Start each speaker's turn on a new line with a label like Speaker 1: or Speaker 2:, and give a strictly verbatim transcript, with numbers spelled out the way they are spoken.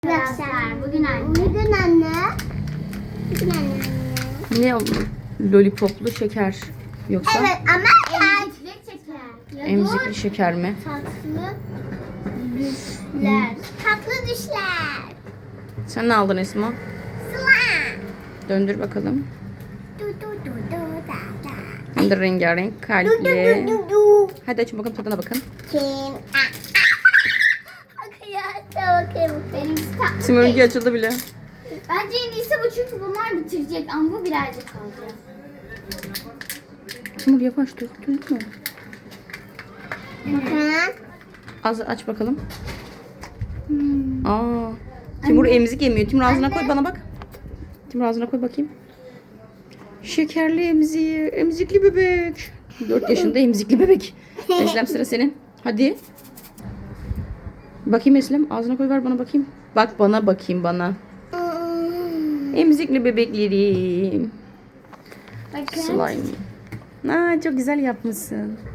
Speaker 1: Arkadaşlar bugün anne.
Speaker 2: Bugün anne. Bugün anne.
Speaker 3: Ne o? Lollipoplu şeker yoksa
Speaker 2: Evet ama yani
Speaker 1: Emzikli şeker.
Speaker 3: emzikli şeker mi?
Speaker 1: Tatlı düşler.
Speaker 2: tatlı düşler.
Speaker 3: Sen ne aldın Esma?
Speaker 2: Sıla.
Speaker 3: Döndür bakalım.
Speaker 2: Du du du du da da.
Speaker 3: Hem de rengarenk
Speaker 2: Du du
Speaker 3: kalpli.
Speaker 2: du du du.
Speaker 3: Hadi açın bakalım, tadına bakın.
Speaker 2: Kim? Arkadaşlar bakayım.
Speaker 1: Benimkisi tatlı.
Speaker 3: Simörünki açıldı bile.
Speaker 1: Bence en iyisi bu çünkü bunlar bitirecek ama bu birazcık kaldı.
Speaker 3: Timur yavaş döktün mü?
Speaker 2: Bakın.
Speaker 3: Az aç bakalım. Aa. Timur emzik yemiyor. Timur ağzına koy, bana bak. Timur ağzına koy bakayım. Şekerli emziği. Emzikli bebek. dört yaşında emzikli bebek. Eslem, sıra senin. Hadi. Bakayım Eslem. Ağzına koy, ver bana bakayım. Bak bana, bakayım bana. Emzikli bebeklerim.
Speaker 1: Bakın.
Speaker 3: Slime. Aa, çok güzel yapmışsın.